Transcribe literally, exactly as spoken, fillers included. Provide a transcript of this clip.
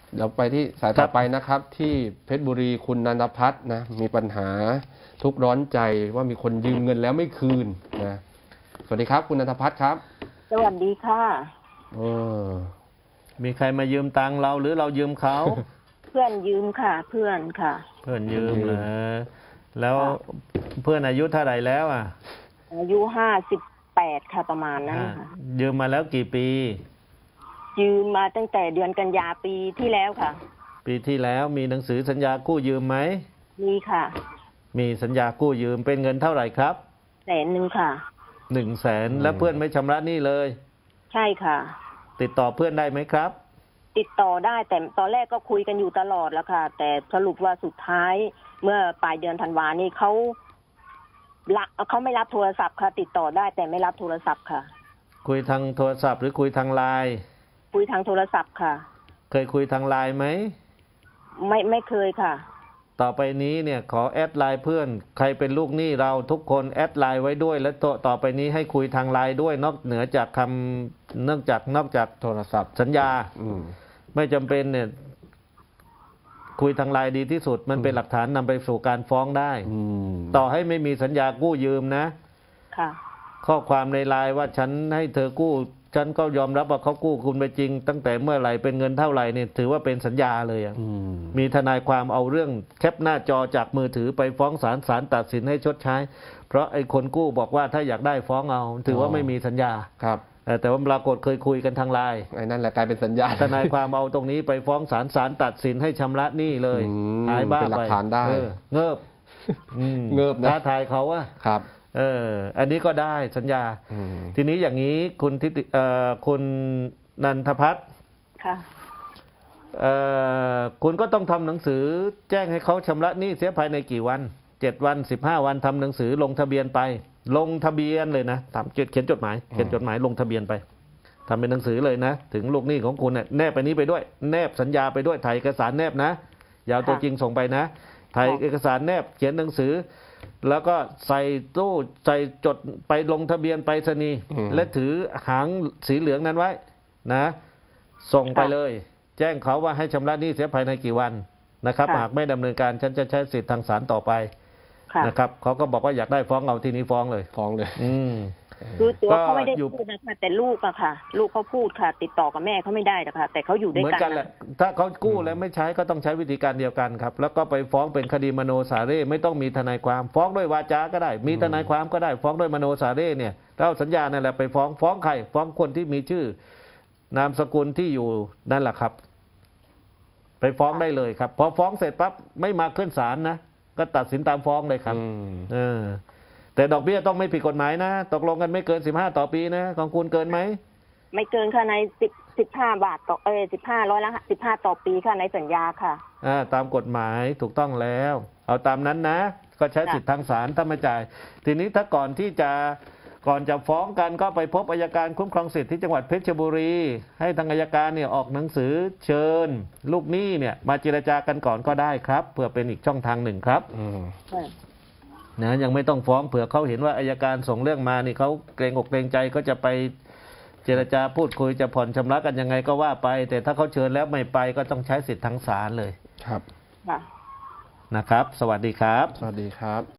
เดี๋ยวไปที่สายต่อไปนะครับที่เพชรบุรีคุณนันทพัฒน์นะมีปัญหาทุกข์ร้อนใจว่ามีคนยืมเงินแล้วไม่คืนนะสวัสดีครับคุณนันทพัฒน์ครับสวัสดีค่ะเออมีใครมายืมตังเราหรือเรายืมเขาเพื่อนยืมค่ะ เพื่อนค่ะเพื่อนยืมเหรอแล้วเพื่อนอายุเท่าไหร่แล้วอ่ะอายุห้าสิบแปดค่ะประมาณนั้นค่ะยืมมาแล้วกี่ปียืมมาตั้งแต่เดือนกันยาปีที่แล้วค่ะปีที่แล้วมีหนังสือสัญญากู้ยืมไหมมีค่ะมีสัญญากู้ยืมเป็นเงินเท่าไหร่ครับแสนหนึ่งค่ะหนึ่งแสนแล้วเพื่อนไม่ชำระหนี้เลยใช่ค่ะติดต่อเพื่อนได้ไหมครับติดต่อได้แต่ตอนแรกก็คุยกันอยู่ตลอดแล้วค่ะแต่สรุปว่าสุดท้ายเมื่อปลายเดือนธันวานี่เขาละเขาไม่รับโทรศัพท์ค่ะติดต่อได้แต่ไม่รับโทรศัพท์ค่ะคุยทางโทรศัพท์หรือคุยทางไลน์คุยทางโทรศัพท์ค่ะเคยคุยทางไลน์ไหมไม่ไม่เคยค่ะต่อไปนี้เนี่ยขอแอดไลน์เพื่อนใครเป็นลูกหนี้เราทุกคนแอดไลน์ไว้ด้วยและต่อต่อไปนี้ให้คุยทางไลน์ด้วยนอกเหนือจากคำเนื่องจากนอกจากโทรศัพท์สัญญาไม่จำเป็นเนี่ยคุยทางไลน์ดีที่สุดมันเป็นหลักฐานนำไปสู่การฟ้องได้ต่อให้ไม่มีสัญญากู้ยืมนะค่ะข้อความในไลน์ว่าฉันให้เธอกู้ฉันก็ยอมรับว่าเขากู้คุณไปจริงตั้งแต่เมื่อไหร่เป็นเงินเท่าไหร่เนี่ยถือว่าเป็นสัญญาเลยอ่ะมีทนายความเอาเรื่องแคปหน้าจอจากมือถือไปฟ้องศาลศาลตัดสินให้ชดใช้เพราะไอ้คนกู้บอกว่าถ้าอยากได้ฟ้องเอาถือว่าไม่มีสัญญาครับแต่ว่าปรากฏเคยคุยกันทางไลน์ไอ้นั่นแหละกลายเป็นสัญญาทนายความเอาตรงนี้ไปฟ้องศาลศาลตัดสินให้ชำระหนี้เลยหายบ้าไปเป็นหลักฐานได้เงิบเงิบนะท้าทายเขาว่าครับเอออันนี้ก็ได้สัญญาทีนี้อย่างนี้คุณทิติเอ่อคุณนันทพัฒน์ค่ะเอ่อคุณก็ต้องทำหนังสือแจ้งให้เขาชำระหนี้เสียภายในกี่วันเจ็ดวันสิบห้าวันทำหนังสือลงทะเบียนไปลงทะเบียนเลยนะทำเขียนจดหมายเขียนจดหมายลงทะเบียนไปทำเป็นหนังสือเลยนะถึงลูกหนี้ของคุณเนี่ยแนบไปนี้ไปด้วยแนบสัญญาไปด้วยถ่ายเอกสารแนบนะอย่าเอาตัวจริงส่งไปนะถ่ายเอกสารแนบเขียนหนังสือแล้วก็ใส่ตู้ใส่จดไปลงทะเบียนไปรษณีย์และถือหางสีเหลืองนั้นไว้นะส่งไปเลยแจ้งเขาว่าให้ชำระหนี้เสียภายในกี่วันนะครับหากไม่ดำเนินการฉันจะใช้สิทธิทางศาลต่อไปนะครับเขาก็บอกว่าอยากได้ฟ้องเอาทีนี้ฟ้องเลยฟ้องเลยอืมคือตัวเขาไม่ได้พูดนะคะแต่ลูกอะค่ะลูกเขาพูดค่ะติดต่อกับแม่เขาไม่ได้นะคะแต่เขาอยู่ด้วยกันเหมือนกันแหละถ้าเขากู้แล้วไม่ใช้ก็ต้องใช้วิธีการเดียวกันครับแล้วก็ไปฟ้องเป็นคดีมโนสาเร่ไม่ต้องมีทนายความฟ้องด้วยวาจาก็ได้มีทนายความก็ได้ฟ้องด้วยมโนสาเร่เนี่ยเราสัญญานั่นแหละไปฟ้องฟ้องใครฟ้องคนที่มีชื่อนามสกุลที่อยู่นั่นแหละครับไปฟ้องได้เลยครับพอฟ้องเสร็จปั๊บไม่มาขึ้นศาลนะก็ตัดสินตามฟ้องเลยครับเออแต่ดอกเบี้ยต้องไม่ผิดกฎหมายนะตกลงกันไม่เกินสิบห้าต่อปีนะของคุณเกินไหมไม่เกินค่ะในสิบสิบห้าบาทต่อเออสิบห้าร้อยละสิบห้าต่อปีค่ะในสัญญาค่ะอ่าตามกฎหมายถูกต้องแล้วเอาตามนั้นนะก็ใช้สิทธิทางศาลถ้าไม่จ่ายทีนี้ถ้าก่อนที่จะก่อนจะฟ้องกันก็ไปพบอัยการคุ้มครองสิทธิที่จังหวัดเพชรบุรีให้ทางอัยการเนี่ยออกหนังสือเชิญลูกหนี้เนี่ยมาเจรจากันก่อนก็ได้ครับเพื่อเป็นอีกช่องทางหนึ่งครับนะยังไม่ต้องฟ้องเผื่อเขาเห็นว่าอัยการส่งเรื่องมานี่เขาเกรงอกเกรงใจก็จะไปเจรจาพูดคุยจะผ่อนชำระกันยังไงก็ว่าไปแต่ถ้าเขาเชิญแล้วไม่ไปก็ต้องใช้สิทธิทางศาลเลยครับนะครับสวัสดีครับสวัสดีครับ